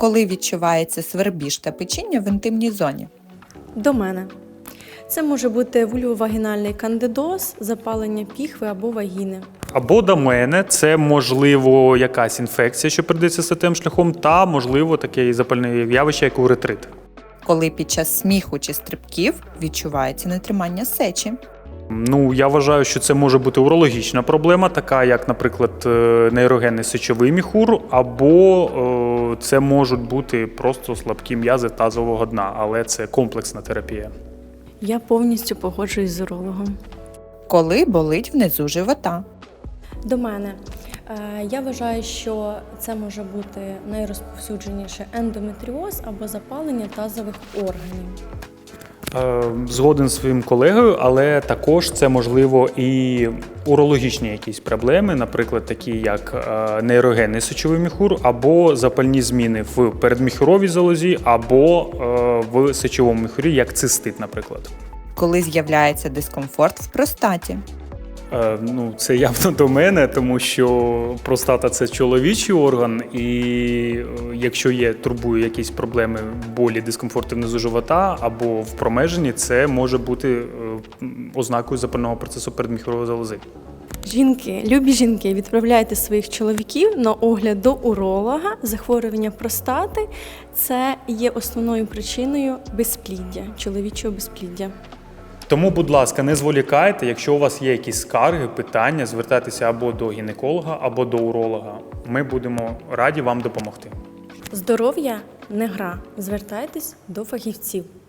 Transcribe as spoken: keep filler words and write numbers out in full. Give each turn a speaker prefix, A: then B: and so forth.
A: Коли відчувається свербіж та печіння в інтимній зоні?
B: До мене. Це може бути вульвовагінальний кандидоз, запалення піхви або вагіни.
C: Або до мене це, можливо, якась інфекція, що передається статевим шляхом, та, можливо, таке запальне явище, як уретрит.
A: Коли під час сміху чи стрибків відчувається нетримання сечі?
C: Ну, я вважаю, що це може бути урологічна проблема, така як, наприклад, е, нейрогенний сечовий міхур, або е, це можуть бути просто слабкі м'язи тазового дна, але це комплексна терапія.
B: Я повністю погоджуюсь з урологом.
A: Коли болить внизу живота?
B: До мене. Е, Я вважаю, що це може бути найрозповсюдженіше ендометріоз або запалення тазових органів.
C: Е, Згоден з своїм колегою, але також це можливо і урологічні якісь проблеми, наприклад, такі як е, нейрогенний сечовий міхур, або запальні зміни в передміхуровій залозі, або е, в сечовому міхурі, як цистит, наприклад.
A: Коли з'являється дискомфорт в простаті?
C: Е, Ну, це явно до мене, тому що простата – це чоловічий орган, і е, якщо є, турбує якісь проблеми, болі, дискомфорти внизу живота або в промеженні, це може бути е, ознакою запального процесу передміхурової залози.
B: Жінки, любі жінки, відправляйте своїх чоловіків на огляд до уролога. Захворювання простати – це є основною причиною безпліддя, чоловічого безпліддя.
C: Тому, будь ласка, не зволікайте, якщо у вас є якісь скарги, питання, звертайтеся або до гінеколога, або до уролога. Ми будемо раді вам допомогти.
B: Здоров'я – не гра. Звертайтесь до фахівців.